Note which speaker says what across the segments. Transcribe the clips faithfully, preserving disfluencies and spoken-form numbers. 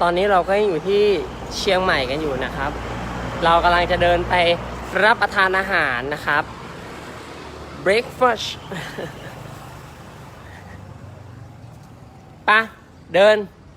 Speaker 1: ตอนนี้เราก็ยังอยู่ที่เชียงใหม่กันอยู่นะครับ เรากำลังจะเดินไปรับประทานอาหารนะครับ breakfast ปะเดิน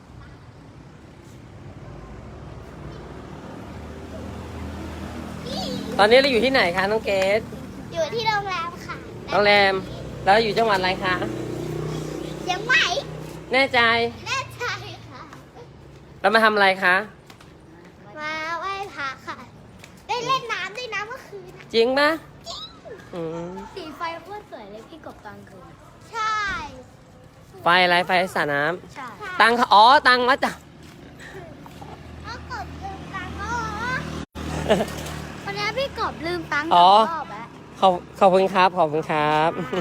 Speaker 1: ตอนนี้เราอยู่ที่ไหนคะน้องเกด
Speaker 2: อยู่ที่โรงแรมค่ะ
Speaker 1: โรงแรมแล้วอยู่จังหวัดอะไรคะ
Speaker 2: เชียงใหม่
Speaker 1: แน่ใจ
Speaker 2: แน่ใจค่ะ
Speaker 1: เรามาทำอะไรคะ
Speaker 2: มาไหว้พระค่ะได้เล่นน้ำด้วยนะเมื่อคืน
Speaker 1: จริงปะ
Speaker 2: จริง
Speaker 3: สีไฟโคตรสวยเลยพี่กบตอนคืน
Speaker 2: ใช่
Speaker 1: ไฟอะไรไฟสระน้
Speaker 3: ใช่
Speaker 1: ำตังอ๋อตังมาจ้ะ
Speaker 2: เอากดลืมตังค์ก็
Speaker 3: วันนี้พี่กบลืมตังค์
Speaker 1: อ๋อ
Speaker 3: รอบแล้ว
Speaker 1: ขอบขอบคุณครับขอบคุณครับ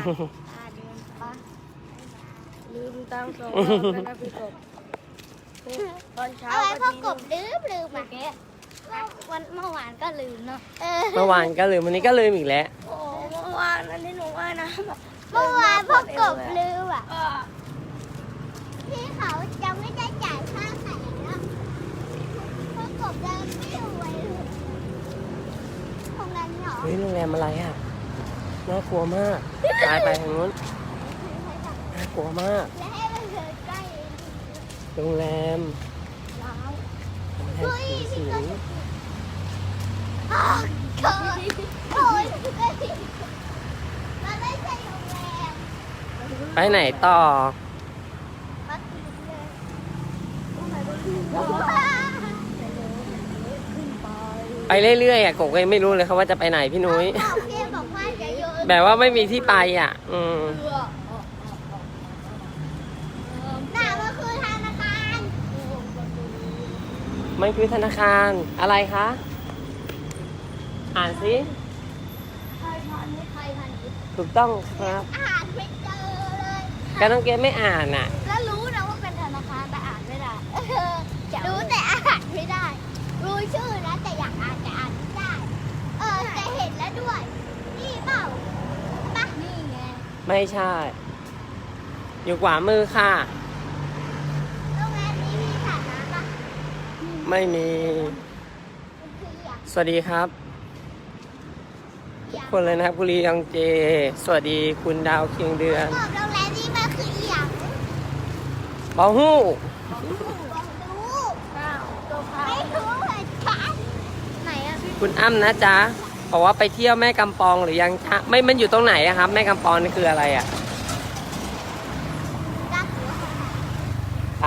Speaker 3: ลืมตังค์สองรอบแล้วนะพี่กบตอนเช้า
Speaker 2: เอาไว้พ่อ
Speaker 3: ก็
Speaker 2: กบลืมลืม
Speaker 3: เมื่อ
Speaker 2: อ่ะ
Speaker 3: กี้วันเมื่อวานก็ลืมเนาะ
Speaker 1: เมื่อวานก็ลืมวันนี้ก็ลืมอีกแล้ว
Speaker 3: โอ้เมื่อวานอันนี้หนูว่านะแบบ
Speaker 2: เมื่อวานพ่อกบลืมอ่ะพี่เขาจะไม่ได้จ่ายค่าไข่แล้วพ่อกบเดินไม่รวยเลยตรงนั้นเหรอ
Speaker 1: เฮ้ยโรงแรมอะไรอ่ะน่ากลัวมากตายไปทางนู้นน่ากลัวมาก
Speaker 2: และให้มันเดินใกล้
Speaker 1: โรงแรม
Speaker 2: ร้าว
Speaker 1: โรงแรม
Speaker 2: เฮ้ย
Speaker 1: สี
Speaker 2: พี่
Speaker 1: สิ
Speaker 2: ก็
Speaker 1: ง
Speaker 2: อ๋อเกิดโอ้ยพี่ก็สิมันไม่ใช่โรงแรม
Speaker 1: ไปไหนต่อ
Speaker 2: มากินเลย
Speaker 1: ไปเรื่อยๆอ่ะกบก็ยังไม่รู้เลยครับว่าจะไปไหนพี่นุ้ย
Speaker 2: บอกพี่บอกว่าจะโยน
Speaker 1: แบบว่าไม่มีที่ไปอ่ะ อืม
Speaker 2: หน้ามันคือธนาคาร
Speaker 1: มันคือธนาคารอะไรคะ อ่านสิ
Speaker 2: ไทยพาณิชย์ไทยพาณิชย์
Speaker 1: ถูกต้องครับ
Speaker 2: อ่านไม่เจอเลย
Speaker 1: การน้องเกดไม่อ่านอ่ะ
Speaker 2: แล้วรู้นะว่าเป็นธนาคารแต่อ่านไม่ได้รู้แต่อ่านไม่ได้ รู้ชื่อนะแต่อยากอ่านแต่อ่านไม่ได้ เออแต่เห็นแล้วด้วย นี่เปล่าปะนี่ไง
Speaker 1: ไม่ใช่ อยู่ขวามือค่ะ
Speaker 2: โรงแรมนี้มีสระน้ำปะ
Speaker 1: ไม่มี
Speaker 2: มันคืออย่าง
Speaker 1: สวัสดีครับทุกคนเลยนะครับกุลียังเจ สวัสดีคุณดาวเคียงเดือน
Speaker 2: บอกโรงแรมนี้มันคืออย่าง
Speaker 1: บอฮู้
Speaker 2: บอกรู้
Speaker 3: อ้าวตัวพา
Speaker 2: ไม่รู้เหมือนกัน
Speaker 3: ไหนอะพี่
Speaker 1: คุณอ้ำนะจ๊ะบอกว่าไปเที่ยวแม่กำปองหรือยังจ๊ะไม่มันอยู่ตรงไหนอะครับ แม่กำปองนี่คืออะไรอะ
Speaker 2: รักหัว
Speaker 1: ไป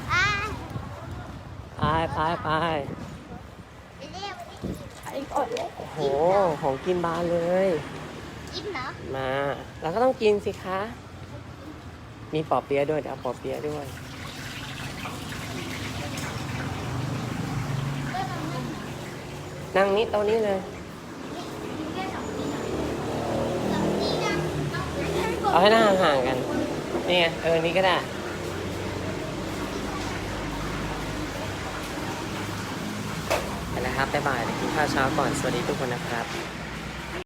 Speaker 2: อ่า
Speaker 1: ไปไปไป
Speaker 2: ไปเรียกไป
Speaker 3: ไอ้กดเลย
Speaker 1: โอ้โหของกินบานเลย
Speaker 2: กินเหรอ
Speaker 1: มาเราก็ต้องกินสิคะ มีปอเปี๊ยะด้วยเดี๋ยวเอาปอเปี๊ยะด้วย นั่งนี้โต๊ะนี้เลย เอาให้หน้าห่างๆกัน นี่ไง เออ นี่ก็ได้ไปแล้วครับบ๊ายบายเดี๋ยวกินข้าวเช้าก่อน สวัสดีทุกคนนะครับ